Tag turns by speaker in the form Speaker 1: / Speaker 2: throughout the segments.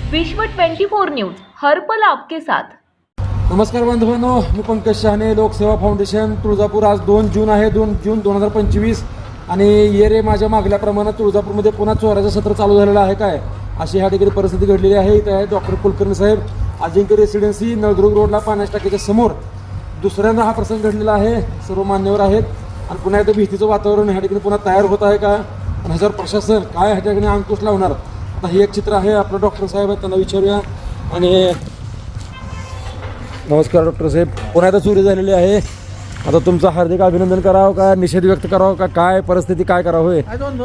Speaker 1: विश्व 24 न्यूज हर पल आपके साथ।
Speaker 2: नमस्कार बांधवांनो, मी पंकज शहाणे, लोकसेवा फाउंडेशन तुळजापूर। आज 2 जून आहे, 2 जून 2025 आणि ये रे माझ्या मागल्याप्रमाणे तुळजापूरमध्ये पुन्हा चोराचं सत्र चालू झालेलं आहे काय, अशी ह्या ठिकाणी परिस्थिती घडलेली आहे। इथे आहे डॉक्टर कुलकर्णी साहेब, अजिंक्य रेसिडेन्सी, नळदुर्ग रोडला पाण्याच्या टाकीच्या समोर दुसऱ्यांदा हा प्रसंग घडलेला आहे। सर्व मान्यवर आहेत आणि पुन्हा एकदा भीतीचं वातावरण ह्या ठिकाणी पुन्हा तयार होत आहे का आणि ह्याच्यावर प्रशासन काय ह्या ठिकाणी अंकुश लावणार। आता हे एक चित्र आहे, आपलं डॉक्टर साहेब आहेत, त्यांना विचारूया। आणि नमस्कार डॉक्टर साहेब, पुन्हा एकदा चोरी झालेली आहे। आता तुमचं हार्दिक अभिनंदन करावं का, निषेध व्यक्त करावं का, काय परिस्थिती काय करावं होय?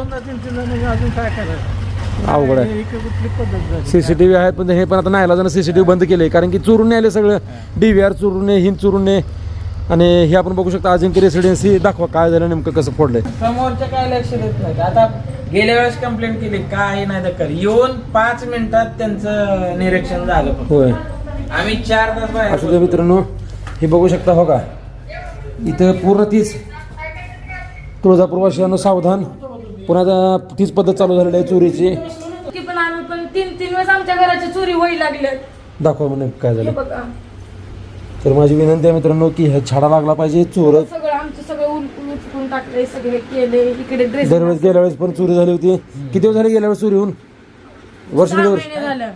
Speaker 3: अजून काय करायचं,
Speaker 2: अवघड आहे। सीसीटीव्ही आहेत पण हे पण आता नाही जण सीसीटीव्ही बंद केले, कारण की चोरून आले सगळं, DVR चोरून हिंद चोरून। आणि हे आपण बघू शकता अजिंक्य रेसिडेन्सी, दाखवा काय झालं नेमकं, कसं फोडलंय।
Speaker 3: समोरच्या काय लक्ष देत नाही। आता गेल्या वेळेस कंप्लेंट केली, काय नाही दखल, येऊन 5 मिनिटात त्यांचं निरीक्षण झालं।
Speaker 2: होय,
Speaker 3: आम्ही 4 तास बाहेर
Speaker 2: असू दे मित्रांनो, हे बघू शकता हो का, इथं पूर्ण तीच तुळजापूरवासियांना सावधान, पुन्हा तीच पद्धत चालू झालेली आहे चोरीची।
Speaker 4: पण आम्ही पण 3 वेळेस आमच्या घराची चोरी व्हायला लागली।
Speaker 2: दाखवा म्हणे काय झालं।
Speaker 4: बघा,
Speaker 2: तर माझी विनंती आहे मित्रांनो की हे छाडा लागला पाहिजे। चोर
Speaker 4: सगळं आमचं सगळं उचकून टाकलंय, सगळे केले, इकडे ड्रेस
Speaker 2: दरवेळेस गेल्या वेळेस पण चोरी झाली होती। किती दिवस झाले गेल्या वेळेस चोरी होऊन? वर्ष दीड वर्ष,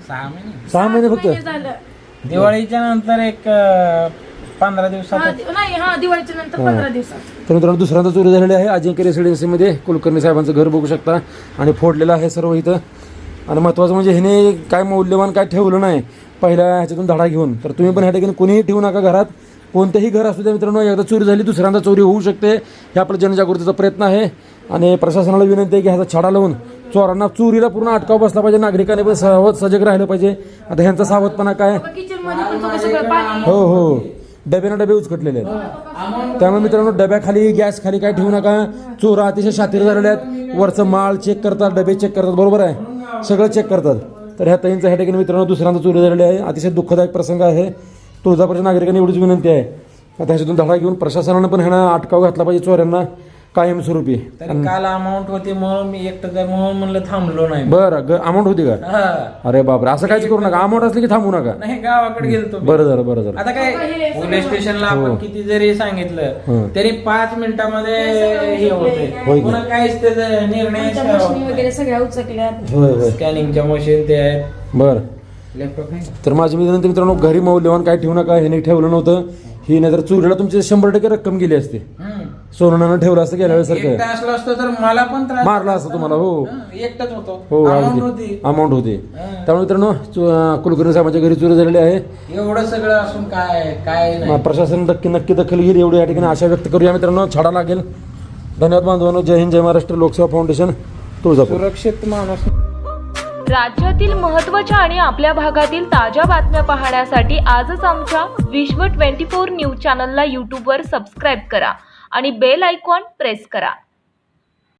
Speaker 2: 6 महिने फक्त।
Speaker 4: झालं।
Speaker 3: दिवाळीच्या नंतर एक 15 दिवसात
Speaker 4: नाही, हा दिवाळीच्या नंतर 15 दिवसात।
Speaker 2: तर मित्रांनो दुसऱ्यांदा चोरी झालेली आहे अजिंक्य रेसिडेन्सीमध्ये। कुलकर्णी साहेबांचं घर बघू शकता आणि फोडलेलं आहे सर्व इथं। आणि महत्त्वाचं म्हणजे ह्याने काय मौल्यवान काय ठेवलं नाही पहिल्या ह्याच्यातून धडा घेऊन। तर तुम्ही पण ह्या ठिकाणी कोणीही ठेवू नका घरात, कोणतेही घर असू द्या मित्रांनो। एकदा चोरी झाली दुसऱ्यांदा चोरी होऊ शकते, हे आपलं जनजागृतीचा प्रयत्न आहे। आणि प्रशासनाला विनंती आहे की ह्याचा छडा लावून चोरांना, चोरीला पूर्ण अटकाव बसला पाहिजे, नागरिकांनी पण सजग राहिलं पाहिजे। आता ह्यांचा सावधपणा काय,
Speaker 4: किचन मध्ये पण सगळं पाणी,
Speaker 2: हो हो, डब्यानं डबे उचकटलेले आहेत। त्यामुळे मित्रांनो डब्याखाली, गॅस खाली काय ठेवू नका। चोर अतिशय शातीर झालेले आहेत, वरचं माळ चेक करतात, डबे चेक करतात, बरोबर आहे, सगळं चेक करतात। तर ह्या ताईंचं ह्या ठिकाणी मित्रांनो दुसऱ्यांदा चोरी झालेली आहे, अतिशय दुःखदायक प्रसंग आहे। तुळजापूरच्या नागरिकांनी एवढीच विनंती आहे, आता ह्याच्यातून धडा घेऊन प्रशासनानं पण ह्यांना अटकाव घातला पाहिजे चोऱ्यांना कायमस्वरूपी।
Speaker 3: तरी काल अमाऊंट होती म्हणून मी एकटं तर म्हणून म्हणलं थांबलो नाही।
Speaker 2: बरं, अमाऊंट होती का?
Speaker 3: हा.
Speaker 2: अरे बापरे, असं काहीच करू नका, अमाऊंट असली की थांबू नका।
Speaker 3: नाही, गावाकडे गेलतो मी।
Speaker 2: बरं झालं, बरं झालं।
Speaker 3: आता काय पोलीस स्टेशनला आपण किती जरी सांगितलं तरी 5 मिनिटामध्ये हे होते, पुन्हा काहीच त्याचा निर्णय
Speaker 4: मशिनी वगैरे सगळ्या उचकल्या।
Speaker 2: होय होय,
Speaker 3: स्कॅनिंगच्या मशीन ते आहेत,
Speaker 2: बरं।
Speaker 3: लॅपटॉप आहे।
Speaker 2: तर माझी विनंती मित्रांनो, घरी मौल्यवान काय ठेवू नका, ह्याने ठेवलं नव्हतं। ही नाही तर चोरीला तुमची 100% रक्कम गेली असते, सोनानं ठेवलं असतं गेल्या वेळेस
Speaker 3: एकटा असलो असतो तर मला पण त्रास
Speaker 2: मारला असतं तुम्हाला। हो
Speaker 3: एकटाच होतो,
Speaker 2: हो,
Speaker 3: Amount होती।
Speaker 2: अमाऊंट होती। त्यामुळे मित्रांनो कुलकर्णी साहेबांच्या घरी चोरी झालेली आहे।
Speaker 3: एवढं सगळं असून काय नाही।
Speaker 2: प्रशासन नक्की दखल घेईल एवढी या ठिकाणी आशा व्यक्त करूया मित्रांनो, छडा लागेल। धन्यवाद बांधवांनो, जय हिंद, जय महाराष्ट्र, लोकसेवा फाउंडेशन तुळजापूर।
Speaker 3: सुरक्षित माणूस।
Speaker 1: राज्यातील महत्त्वाच्या आणि आपल्या भागातील ताज्या बातम्या पाहण्यासाठी आजच आमच्या विश्व 24 न्यूज चॅनलला यूट्यूबवर सबस्क्राईब करा आणि बेल आयकॉन प्रेस करा।